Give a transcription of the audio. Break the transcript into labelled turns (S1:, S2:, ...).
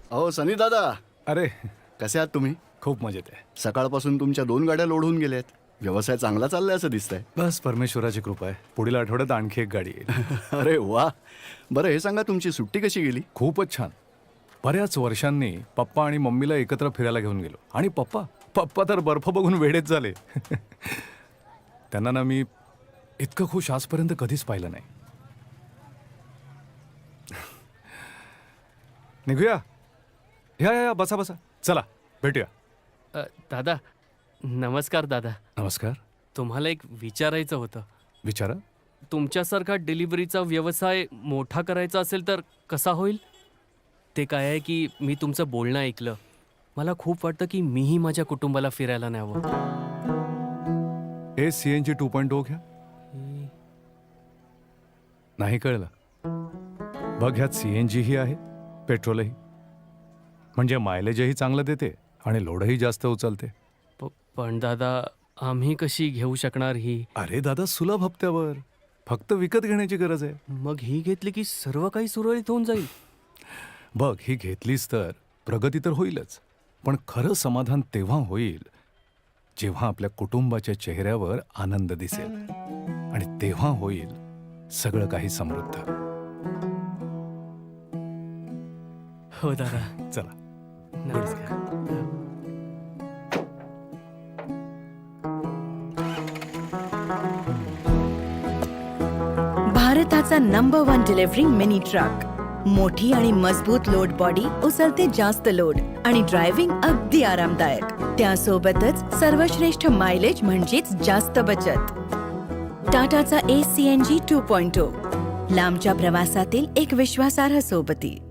S1: अहो सनी दादा,
S2: अरे
S1: कसे आहात तुम्ही?
S2: खूप मजेत आहे.
S1: सकाळपासून तुमच्या 2 गाड्या लोड होऊन गेल्यात. व्यवसाय चांगला चाललाय असं दिसतंय.
S2: बस परमेश्वराची कृपा आहे. पुढील आठवड्यात आणखी एक गाडी येईल.
S1: अरे वा. बरं हे सांगा, तुमची सुट्टी कशी गेली?
S2: खूपच छान. बऱ्याच वर्षांनी पप्पा आणि मम्मीला एकत्र फिरायला घेऊन गेलो. आणि पप्पा तर बर्फ बघून वेडेच झाले. त्यांना ना मी इतकं खुश आजपर्यंत कधीच पाहिलं नाही. निघूया. या बसा बसा. चला भेटूया.
S3: दादा, नमस्कार दादा.
S2: नमस्कार.
S3: तुम्हाला एक विचारायचं होतं.
S2: विचारा.
S3: तुमच्यासारखा डिलिव्हरीचा व्यवसाय मोठा करायचा असेल तर कसा होईल? ते काय आहे की मी तुमचं बोलणं ऐकलं. मला खूप वाटतं की मीही माझ्या कुटुंबाला फिरायला न्यावं.
S2: हे CNG 2.0 घ्या. नाही कळलं? बघ, ह्यात CNG ही आहे, पेट्रोलही. म्हणजे मायलेजही चांगलं देते आणि लोडही जास्त उचलते.
S3: पण दादा, आम्ही कशी घेऊ शकणार ही?
S2: अरे दादा, सुलभ हप्त्यावर. फक्त विकत घेण्याची गरज आहे.
S3: मग ही घेतली की सर्व काही सुरळीत होऊन जाईल.
S2: बघ, ही घेतलीस तर प्रगती तर होईलच, पण खरं समाधान तेव्हा होईल जेव्हा आपल्या कुटुंबाच्या चेहऱ्यावर आनंद दिसेल. आणि तेव्हा होईल सगळं काही समृद्ध.
S3: हो दादा.
S2: चला.
S3: नमस्कार.
S4: भारताचा नंबर 1 डिलिव्हरी मिनी ट्रक. मोठी आणि मजबूत लोड बॉडी उचलते जास्त लोड आणि ड्रायव्हिंग अगदी आरामदायक. त्यासोबतच सर्वश्रेष्ठ मायलेज म्हणजेच जास्त बचत. टाटाचा ACNG 2.0 लांबच्या प्रवासातील एक विश्वासार्ह सोबती.